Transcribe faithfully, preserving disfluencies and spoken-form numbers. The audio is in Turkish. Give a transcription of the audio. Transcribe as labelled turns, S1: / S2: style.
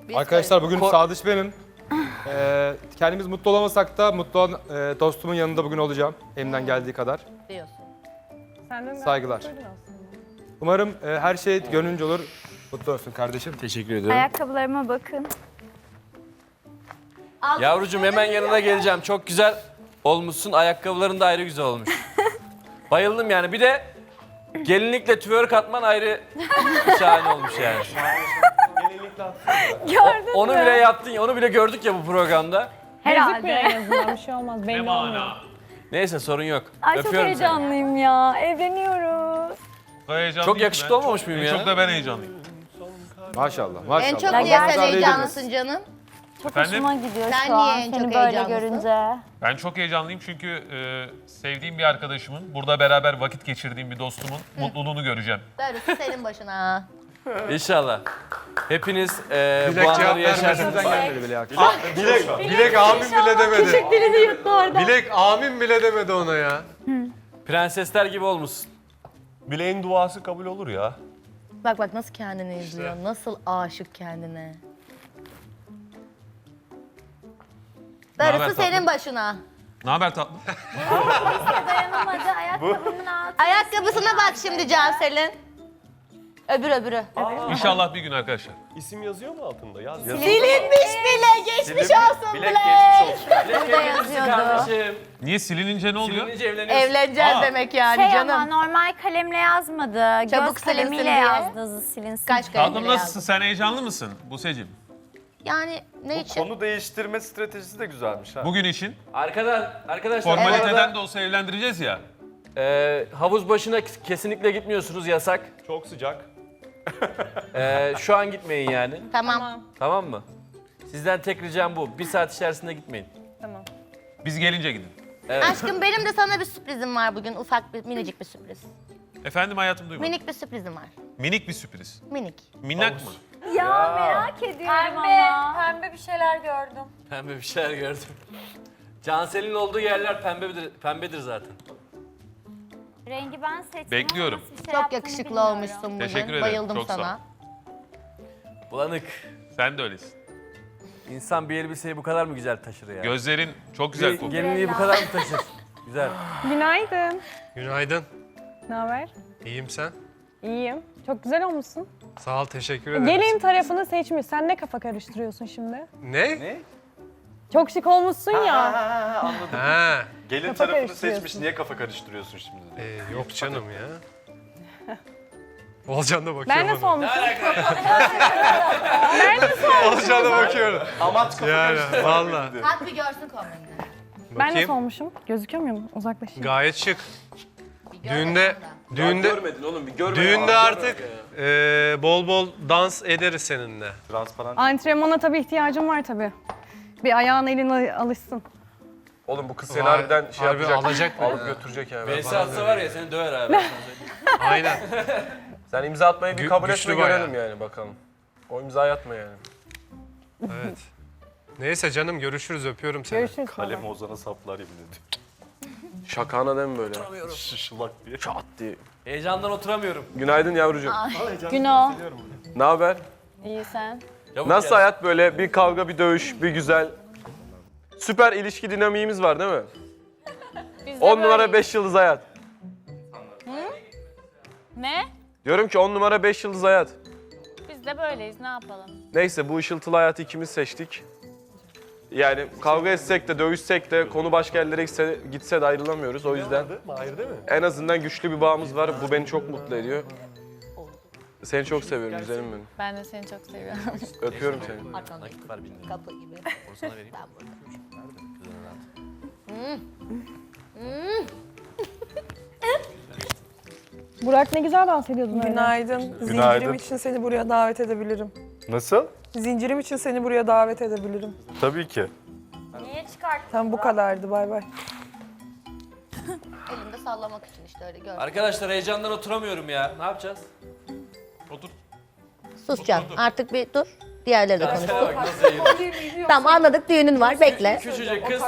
S1: Biz
S2: Arkadaşlar bugün
S3: Ko-
S2: Sadıç benim. Ee, kendimiz mutlu olamasak da mutlu olan e, dostumun yanında bugün olacağım. Elimden geldiği kadar.
S1: diyorsun.
S4: Senden
S2: Saygılar. Umarım e, her şey gönlünce olur. Mutlu olsun kardeşim.
S3: Teşekkür ediyorum.
S5: Ayakkabılarıma bakın.
S3: Yavrucuğum hemen yanına geleceğim. Çok güzel olmuşsun. Ayakkabıların da ayrı güzel olmuş. Bayıldım yani. Bir de gelinlikle twerk atman ayrı şahane olmuş yani.
S5: Gördün
S3: Onu
S5: mü?
S3: bile yaptın ya. Onu bile gördük ya bu programda.
S4: Gözükmüyor
S5: Herhalde.
S4: en azından bir şey olmaz. Belli olmuyor.
S3: Neyse sorun yok.
S5: Ay çok
S3: Öpüyorum seni.
S5: heyecanlıyım ya. Evleniyoruz.
S3: Çok yakışıklı olmamış mıyım ya?
S6: Çok da ben heyecanlıyım.
S2: Maşallah maşallah.
S1: En çok
S5: Ya
S1: niye sen
S5: gerçekten.
S1: heyecanlısın canım?
S5: Çok
S6: Efendim?
S5: hoşuma gidiyor
S1: Sen
S5: şu
S1: niye
S5: an
S1: en
S5: seni
S1: çok
S5: böyle
S1: heyecanlısın?
S5: görünce.
S6: Ben çok heyecanlıyım çünkü e, sevdiğim bir arkadaşımın, burada beraber vakit geçirdiğim bir dostumun mutluluğunu göreceğim.
S1: Darısı senin başına.
S3: İnşallah. Hepiniz e, bu
S2: Dilek cevap
S3: anları
S2: vermesinden
S3: yaşarsınız.
S2: gelmedi bile ya.
S7: Dilek, Dilek amin bile demedi.
S5: Dilini yuttu orada.
S7: Dilek amin bile demedi ona ya.
S3: Prensesler gibi olmuşsun.
S7: Bileğin duası kabul olur ya.
S1: Bak bak nasıl kendini izliyor. Nasıl aşık kendine.
S6: Naber
S1: Darısı
S6: tatlım?
S1: senin başına.
S6: Ne haber tatlım?
S5: Dayanamadı ayakkabımın altı.
S1: Ayakkabısına bak şimdi Cansel'in. Öbür öbürü.
S6: İnşallah bir gün arkadaşlar.
S7: İsim yazıyor mu altında? Yaz.
S1: Silinmiş bile. Geçmiş olsun
S3: Bilek
S1: bile.
S3: geçmiş olsun. Bilek
S1: Burada
S3: evlenirsin
S1: yazıyordu.
S3: kardeşim.
S6: Niye silinince ne oluyor?
S3: Silinince evleniyorsun.
S1: Evleneceğiz
S6: Aa.
S1: demek yani
S5: Şey
S1: canım.
S5: ama normal kalemle yazmadı.
S1: Çabuk
S5: Göz kalemiyle
S1: silinsin diye.
S5: yazdı silinsin.
S1: Kaç
S6: Tatlım
S1: kalemle
S6: nasılsın?
S1: yazdın?
S6: Sen heyecanlı mısın Buse'cim?
S1: Yani ne için?
S7: Konu değiştirme stratejisi de güzelmiş ha.
S6: Bugün için
S3: Arkadaş, arkadaşlar bu
S6: formaliteden
S3: arada,
S6: de olsa evlendireceğiz ya.
S3: e, havuz başına kesinlikle gitmiyorsunuz, yasak.
S7: Çok sıcak.
S3: E, şu an gitmeyin yani.
S1: Tamam.
S3: Tamam mı? Sizden tek ricam bu. Bir saat içerisinde gitmeyin.
S4: Tamam.
S6: Biz gelince gidin.
S1: Aşkım benim de sana bir sürprizim var bugün. Ufak bir minicik bir sürpriz.
S6: Efendim hayatım duymadım.
S1: Minik bir sürprizim var.
S6: Minik bir sürpriz.
S1: Minik.
S6: Minnak mı?
S5: Ya, merak ediyorum ama.
S8: Pembe bir şeyler gördüm.
S3: Pembe bir şeyler gördüm. Cansel'in olduğu yerler pembedir, pembedir zaten.
S5: Rengi ben seçtim
S6: Bekliyorum.
S5: ama nasıl bir şey
S1: Çok
S5: yaptığını
S1: yakışıklı
S5: bilmiyorum.
S1: olmuşsun bugün.
S6: Teşekkür ederim,
S1: Bayıldım
S6: çok sağ ol.
S1: sana.
S3: Bulanık.
S6: Sen de öylesin.
S3: İnsan bir elbiseyi bu kadar mı güzel taşır ya?
S6: Gözlerin çok güzel
S3: Bir
S6: kokuyor.
S3: gelinliği bu kadar mı taşır? Güzel.
S4: Günaydın.
S7: Günaydın.
S4: Ne haber?
S7: İyiyim sen.
S4: İyiyim. Çok güzel olmuşsun.
S7: Sağ ol, teşekkür ederim.
S4: Gelin tarafını seçmiş. Sen ne kafa karıştırıyorsun şimdi?
S7: Ne? Ne?
S4: Çok şık olmuşsun ya.
S7: Ha.
S9: Gelin
S4: Kafa
S9: tarafını
S4: karıştırıyorsun.
S9: seçmiş, niye kafa karıştırıyorsun şimdi?
S7: Ee, yok canım ya. Olcan da bakıyor
S4: Ben nasıl
S7: bana.
S4: olmuşum?
S7: Olcan da bakıyorum.
S9: Amaç kafa
S7: Yani
S9: karıştırmak.
S7: valla.
S1: Kalk bir görsün kombinini.
S4: Ben nasıl
S7: Bakayım.
S4: olmuşum? Gözüküyor muyum? Uzaklaşayım.
S7: Gayet şık.
S1: Bir gör
S7: Düğünde,
S1: bakalım da.
S7: düğünde,
S3: Görmedin oğlum, bir görme.
S7: düğünde
S3: ya.
S7: artık e, bol bol dans ederiz seninle.
S9: Transparan.
S4: Antrenmana tabii ihtiyacım var tabii. Bir ayağın elin al- alışsın.
S7: Oğlum bu kız
S9: seni harbiden şey
S7: harbi
S9: yapacak,
S7: alacak mı?
S9: alıp götürecek yani.
S3: V S atsa var ya seni döver abi.
S7: Aynen.
S9: Sen imza atmayı bir
S7: Gü-
S9: kabul
S7: güçlü
S9: etme
S7: bayağı.
S9: görelim yani bakalım. O imzayı atma yani.
S7: Evet. Neyse canım görüşürüz, öpüyorum seni.
S4: Görüşürüz.
S9: Kalem Ozan'a saplar yemin ediyorum. Şakana değil mi böyle? Şışılak diye. Çat diye.
S3: Heyecandan oturamıyorum.
S9: Günaydın yavrucuğum.
S5: Günah.
S9: Ne haber?
S5: İyi sen.
S3: Yavuk
S9: Nasıl
S3: gel.
S9: hayat böyle? Bir kavga, bir dövüş, bir güzel. Süper ilişki dinamiğimiz var değil mi? on numara beş yıldız hayat.
S8: Ne?
S9: Diyorum ki on numara beş yıldız hayat.
S8: Biz de böyleyiz, ne yapalım?
S9: Neyse bu ışıltılı hayatı ikimiz seçtik. Yani kavga etsek de dövüşsek de konu başka yerlere gitse, gitse de ayrılamıyoruz. O yüzden
S7: Mahir değil mi?
S9: en azından güçlü bir bağımız var. Bu beni çok mutlu ediyor. Seni çok seviyorum güzelim benim.
S8: Ben de seni çok seviyorum.
S9: Öpüyorum seni.
S3: Nakit var bilmiyorum.
S1: Kapı gibi.
S3: Onu sana vereyim.
S4: Burak ne güzel dans ediyordun öyle.
S10: Günaydın.
S9: Günaydın.
S10: Zincirim için seni buraya davet edebilirim.
S9: Nasıl?
S10: Zincirim için seni buraya davet edebilirim.
S9: Tabii ki.
S5: Niye çıkarttın?
S10: Tam bu kadardı. Bay bay.
S1: Elimde sallamak için işte öyle gör.
S3: Arkadaşlar heyecandan oturamıyorum ya. Ne yapacağız?
S6: Otur.
S1: Sus Can. Artık bir dur. Diğerleri de
S3: Cansel'e
S1: konuşsun.
S3: bak nasıl eğiliyor.
S1: Tamam anladık düğünün var. Bekle.
S3: Küçücük kız